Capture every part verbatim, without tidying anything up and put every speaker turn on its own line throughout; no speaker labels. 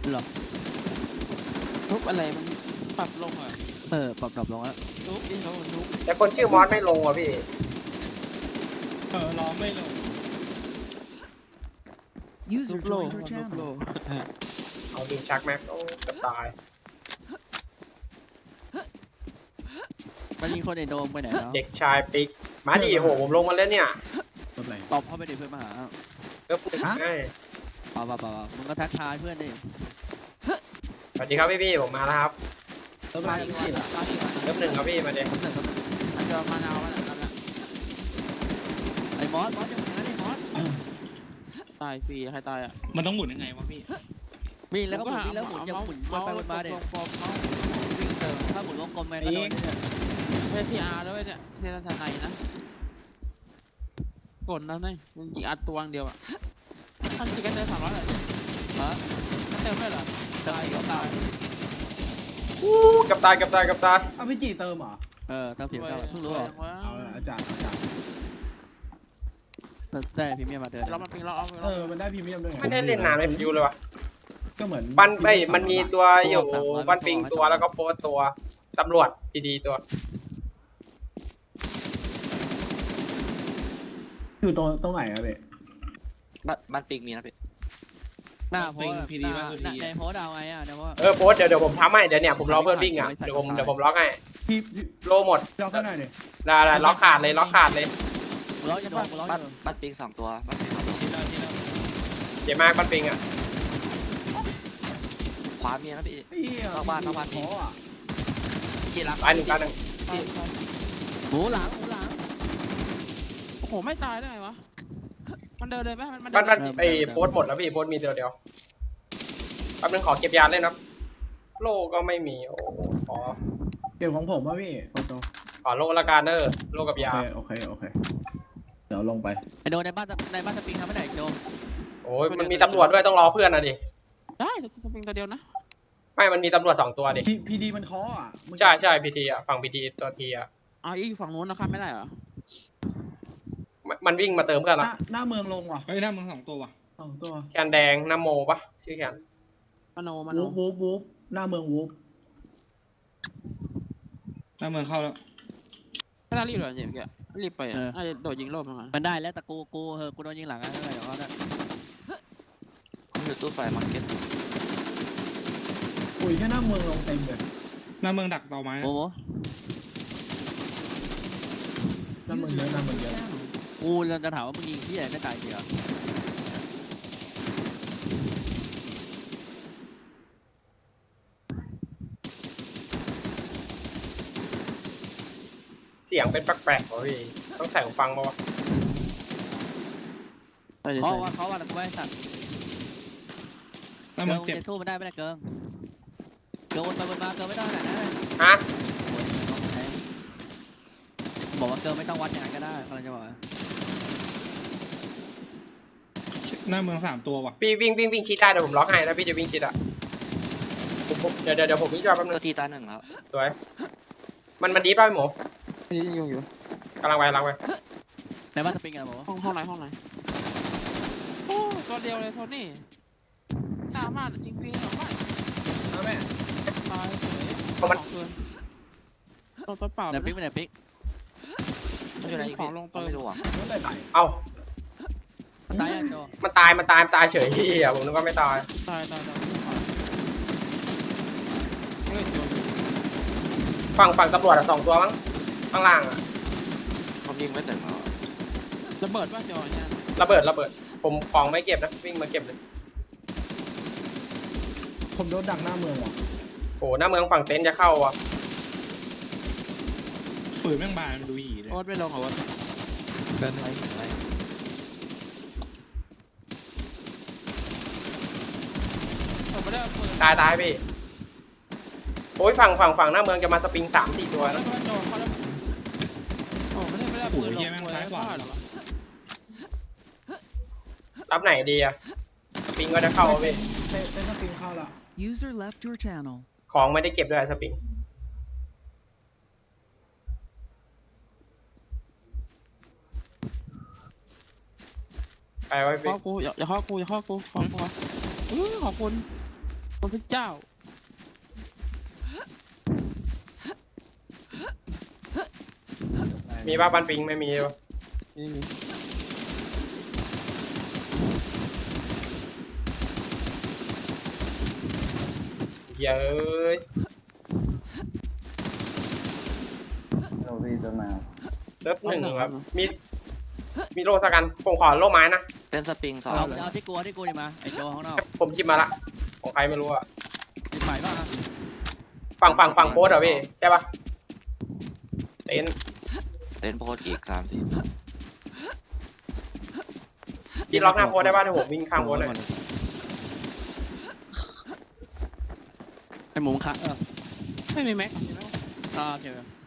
หรอ
ทุบอะไรมันปรับลงอ่ะ
เออปรับดรอปลงแล้ว
ทุบดิเขาทุบ
แต่คนชื่อมอสไม่ลงว่ะพี่
เออร้องไม่ลง
ทุบโลทุบโล
เอาดินชักแม็กโอ้จะตาย
มันยิงคนในโดมไปไหนแล้ว
เด็กชายปิ๊กมาดิโหผมลงมาแล้วเนี่ย
ตอบเข้าไปดิเพื่อนมาหา
ก็พูดง่าย
เปล่าเปล่าเปล่ามึงก็ทักทายเพื่อนดิ
สวัสดีครับพี่พี่ผมมาแล้วครับ
เริ่มมาที่วันมาที่วัน
เริ่มหนึ่งครับพี่มาเด็ก
ผมหนึ่งครับ
มันจะมานาวมันนั่นแหละ
ไอ้มอสมอสจะเป็นยังไงไอ้มอส
ตายฟรีใครตายอ่ะ
มันต้องหมุนยังไงวะพี่
มีแล้วก็หมุนมีแล้วหมุนอย่าหมุนวนไปวนมาเด็กวิ่งเจอถ้าหมุนวงกลมไปก็โดนเนี่ย
ไม่พีอาร์ด้วยเนี่ยเซนทนายนะกดแล้วนี่มันจริงอัดตัวเดียวอ่ะมันจริงกันเติมสามร้อยเลยฮะเติมได้เหรอตายก็ตาย
อู้กับตายกับตายกับตาย
เอาพี่จีเติมเหรอ
เออเติมผิวเติมเพิ่งรู้เหรอ
เอาอาจารย์อาจารย์
ได้พรีเมียมมาเดิน
เรามันปิงเราเอา
เออมันได้พรีเมียมด้วย
ไม่ได้เล่นนานเลยฟิวเลยวะ
ก็เหมือน
บันไอ้มันมีตัวอยู่บันปิงตัวแล้วก็โพสตัวตำรวจดีๆตัว
อยู่ตรงตรงไหนอะเบ๊
บ้านบ้านปิงมีนะพี่
หน้าโพสพีดีว่าในโพสเอาไงอ่ะเดี๋ยว
เออโพสเดี๋ยวเดี๋ยวผมทำให้เดี๋ยวเนี่ยผมล็อกเพื่อนวิ่งอ่ะเดี๋ยวผมเดี๋ยวผมล็อกให้
พี่
โลหมด
ล็อกข้างในดิ
ได้ได้ล็อกขาดเลยล็อกขาดเลย
ล็อกจะโดนล็อกบ้าน
บ้านปิงสองตัวบ้านปิงสองตัว
เจ๋งมากบ้านปิงอ่ะ
ขวามีนะพี่นอกบ้านนอกบ้านพี่กี่ลัก
ตายหนึ่งตายหนึ่ง
หมูหลังหมูหลัง
โอ้โหไม่ตายได้ไงวะมันเดินเลยไหมมัน
บ้านบ้านไอ้โพสหมดแล้วพี่โพสมีเดียวเดียวแป๊บนึงขอเก็บยาเล่นนะโลก็ไม่มีโอ้ขอ
เก็บของผมป่ะพี่โอโต
ขอโลละกันเนอร์โลกับยา
โอเคโอเคเดี๋ยวลงไป
ไอโดในบ้านในบ้านสปริงทำไม่ได้โด
โอ้ยมันมีตำรวจด้วยต้องรอเพื่อนนะดิ
ได้สปริงตัวเดียวนะ
ไม่มันมีตำรวจสองตัวดิ
พีดีมันเคาะอ่ะ
ใช่ใช่พีทีอ่ะฝั่งพีทีตัวทีอ่ะ
อ๋ออีกฝั่งนู้นนะครับไม่ได้เหรอ
มันวิ่งมาเติมเพื่อนละ
หน้าเมืองลงว่ะ
เฮ้ยหน้าเมืองสองตัวว่ะ
สองตัว
แคนแดงน้ำโมปะชื่อแคน
มโนมโน
วูบวูบหน้าเมืองวูบ
หน้าเมืองเข้าแล้ว
ไม่น่ารีบเลยเนี่ยเมื่อกี้รีบไปอ่ะน่าจะโดดยิงโลบมา
มันได้แล้วแต่กูกูเออกูโดนยิงหลังอะไรเดี๋ยวเขาได้
อยู่ตู้ไฟมาร์เก็ต
อุ้ยแค่หน้าเมืองลงเต็มเลย
หน้าเมืองดักต่อไม้
โอ้โห
หน้าเมืองเยอะหน้าเมืองเยอะ
กูจะถามว่ามึงยิงที่ไหนไม่ตายเดียว
เสียงเป็นแปลกๆวะพี่ต้องใส่หูฟังป่าวะ
เพราะว่าเขาว่ากูไม่สัตว์เกิร์ลจะสู้มันได้ไม่ได้เกิร์ลเกิร์ลวนไปวนมาเกิร์ลไม่ต้องขนาดนั้น
ฮะ
บอกว่าเกิร์ลไม่ต้องวัดอย่างนั้นก็ได้อะไรจะบอก
หน้าเมืองสามตัวว่ะ
พี่วิ่งวิ่งวิ่งชิดได้เดี๋ยวผมล็อกให้แล้วพี่จะวิ่งชิดอ่ะเดี๋ยวเดี๋ยวเดี๋ยวผมวิ่งรอบแป๊บนึง
ตัวทีตาหนึ่งแล้ว
สวยมันมันดีป่ะพี่หมู
นี่ยังอยู่
กำลังไปกำลังไป
ในบ้านสปริงอะไรบอก
ห้องห้องไหนห้องไหนโอ้ตัวเดียวเลยโทนี่ตามมาจริงฟีนหรอไม่
เอาแม่
ตายสองคืนตัวตัวเปล่า
ไหนปิ๊กไปไหนปิ๊ก
มันอยู่ไหนของลงเติมไม่รู้อ่ะ
เอ้า
มันตายอ่ะโจ
มันตายมันตายมันตายเฉยที่อ่ะผมนึกว่าไม่ตาย
ตายตายตาย
ฝั่งฝั่งตำรวจอ่ะสองตัวมั้งข้างล่างอ่ะ
ผมยิงไม่เต็มแล้วระเบิดว่าจอเนี่ย
ระเบิดระเบิดผมของไม่เก็บนะวิ่งมาเก็บเลย
ผมโดนดักหน้าเมืองว่ะ
โอ้หน้าเมืองฝั่งเต็นท์จะเข้าอ่ะ
ปืนแม่งบานมันดูหีเลย
โอ๊ตไม่ลงเหรอวะเกินไป
ตายตายพี่โอ้ยฝั่งฝั่งฝั่งหน้าเมืองจะมาสปริงสามสี่ตัว
แล้วโอ้ไม่ได้ไม่ได้ปืนลงซ้ายขวา
รับไหนดีอะสปริงก็จะเข้าพี่
เป็นสปริงเข้าแล้ว
User left your channel
ของไม่ได้เก็บด้วยสปริงไปไว้พี่
ข้อกูอย่าข้อกูอย่าข้อกูขอกูขอบคุณพระเจ้า
มีบ้าบันปิงไม่มีวะ
นี่นี่
เย้ย
โรบี้ตัวมา
เซิร์ฟหนึ่งครับมีมีโลสักกันผมขอโลไม้นะ
เต้นสปริงสอง
เอาเอาที่กูเอาที่กูดิมาไอ้โจข้างนอก
ผมจิบมาละของใครไม่รู้อะ
มีฝ่ายบ้างอะ
ฝั่งฝั่งฝั่งโพสอะพี่ใช่ปะเต็นท์
เต้นโพสอีกสามที
พี่ล็อกหน้าโพสได้ป่ะถ้าผมวิ่งข้ามโพสเลย
ไอ้หมูคะเออ
ไม่มีแม็กมีแม็ก
อ่าโอเค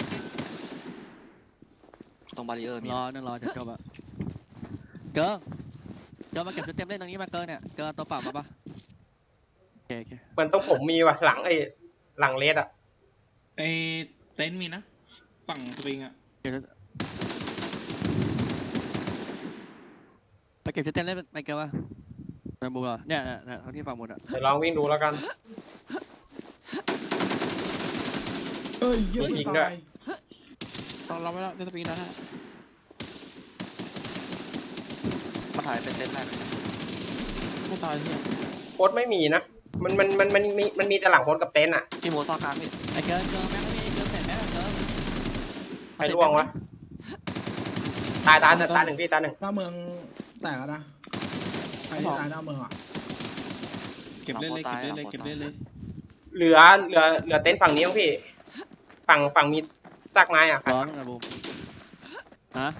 ตรงบาริเออร์มี
รอนึงรอจะจบอะเกิร์เกิร์มาเก็บชุดเต็มเล่นตรงนี้มาเกิร์เนี่ยเกิร์ตัวเปล่ามาปะโอเคโอเค
เหมือนต้องผมมีว่ะหลังไอ้หลังเลสอะ
ไอ้เต็นท์มีนะ ฝั่งสปริงอ่ะ
ไปเก็บชุดเต็มเล่นไปเกิร์มาไปบูเหรอเนี่ยเนี่ยเนี่ยทั้งที่ฝั่งหมดอะ
เดี๋ยวลองวิ่งดูแล้วกัน
เอ้ยเยอะ
มีอีกด้ว
ตาย ย
ต้องเราไม่ได้เต้นสปริงแล้วฮะ
มาถ่ายเป็นเต้นแรก
ไม่ตายเนี่ย
โพสไม่มีนะมันมันมันมันมีมันมีแต่หลังโพสกับเต็นท์อะ
พี่หมูซอกกลางพี่
ไอ้เกิร์เกิร์แม่งไม่มีเกิร์เสร็จแม่งเกิร์
ใครล่วงวะตายตายตายตายหนึ่งพี่ตายหนึ่ง
หน้าเมืองแตกแล้วนะใครที่ตายหน้าเมืองอ่ะ
เก็บเล่นเลยเก็บเล่นเลยเก็บเล่นเลย
เหลือเหลือเหลือเต็นท์ฝั่งนี้มั้งพี่ฝั่งฝั่งมีซากไม้อะ
ร้อนนะบูมฮะ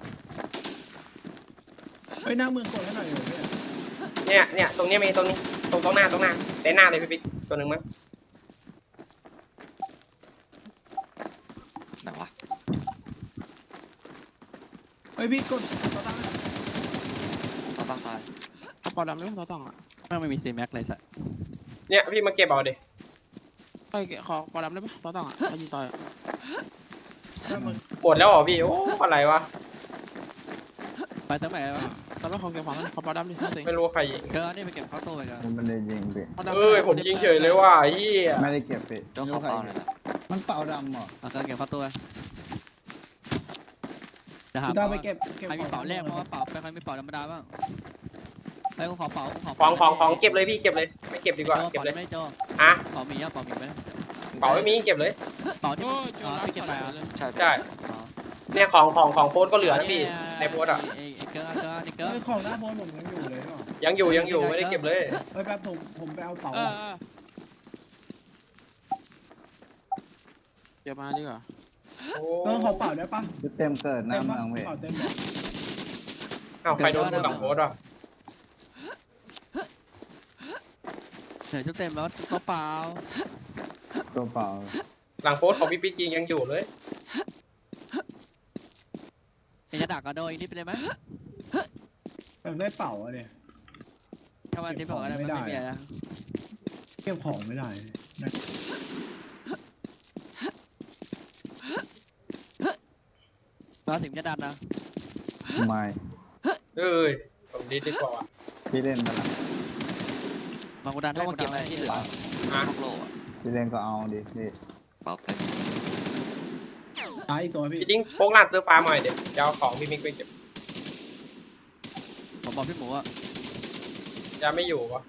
เฮ้ยหน้าเมืองกดให้หน่อยเลยพี่
เนี่ยเนี่ยตรงเนี้ยมีตรงนี้ตรงตรงหน้าตรงหน้าเต็นท์หน้าเลยพี่ปิ๊กตัวหนึ่งมั้ง
ไหนวะ
เฮ้ยพี่กดตัวตั้งให้
ตอนตั้งตาย
เอาปอดำไม่ต้องต้องอ่ะ
แม่งไม่มีซีแม็กเลยสัส
เนี่ยพี่มาเก็บเอาดิ
ไปขอปอดำได้ปะต้องต้องอ่ะไปยิงต่อย
หน้าเมือง
หมดแล้วเหรอพี่โอ้อะไรวะ
ไปตั้งไหนวะ
ตอนแรกเขาเก็บของขอปอดำดิสิ
ไม่รู้ว่าใครยิง
เกิร์นี่ไปเก็บเข้าตู้ไปกัน
มันไม่ได้ยิงพี่
เอ้ยผมยิงเฉยเลยว่ะเฮีย
ไม่ได้เก็บพี่
เจ้าเขาเป้าหน่อยละ
มันเป่าดำเหรอ
เอาเกิร์เก็บเข้าตู้ไปจะหา
พี่ดาวไปเก็บเก็บ
ใครมีเป๋าแรกเพราะว่าเป๋าใครมีเป๋าธรรมดาบ้างไอ้กูขอเป๋ากูขอ
ของของของเก็บเลยพี่เก็บเลยไม่เก็บดีกว่าเก็บเลย
ไม่โจ
อ่ะ
เป๋ามีอ่ะเป๋ามีไหม
เป๋าไม่มีเก็บเลย
เป๋าที่
โอ้ย
อ๋อไปเก็บไปอ่ะ
เลย
ใช่
ใช่เนี่ยของของของโพสก็เหลือนะพี่ในโพสอ่ะ
ไอ้เกิร์เกิร์นี่เกิร์
เฮ้ยของหน้าโพสผมยังอยู่เลยเหรอ
ยังอยู่ยังอยู่ไม่ได้เก็บเลย
เฮ้ยแป๊บผมผมไปเอาเป๋า
เออเออเดี๋ยวมาดีกว่า
โอ้
เออขอเป๋าได้ปะ
ชุดเต็มเกิดหน้าเมืองพี่
เป๋าเต็มเหรอ
เอาใครโดนพูดหลังโพสอ่ะ
เดี๋ยวชุดเต็มแล้วตัวเปล่า
ตัวเปล่า
หลังโพสของพี่ปิ๊กยิงยังอยู่เลย
เอ็งจะดักกระโดดอีกนิดไปเลยไหม
แบบได้เป๋าอะเนี่ย
ถ้าวันที่บอกอะไรมันไม่มีอะไร
เก็บของไม่ได้นะ
เราถึงจะดันนะ
ไม่
เอ้ยผมดีดีกว่าว่ะ
พี่เล่นมาละ
มากูดัน
ต้
ให้
อง
กู
มา
ดั
เก็บ
น
ไว้
ให้
ที่เหลือ
อ่ะ
พวกโลอ่ะ
พี่เล่นก็เอาดิพี่
เป่าเต็ม
ตายอีกตัวพี่
พี่จิ้งโพกลาดซื้อฟ้ามาหน่อยเดี๋ยวจะเอาของพี่มิกไปเก็บ
ผมบอกพี่หมูว่า
จะไม่อยู่วะ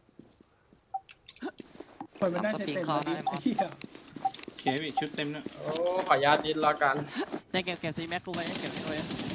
เปิดไม่ได้เต็มเต็มเลยไอ้เหี้ย
โอเคพี่ชุดเต็มเนอะ
โอ้ขออนุญาตดิ้นละกัน
ได้เก็บเก็บซีแม็กกูไปเก็บให้ด้วย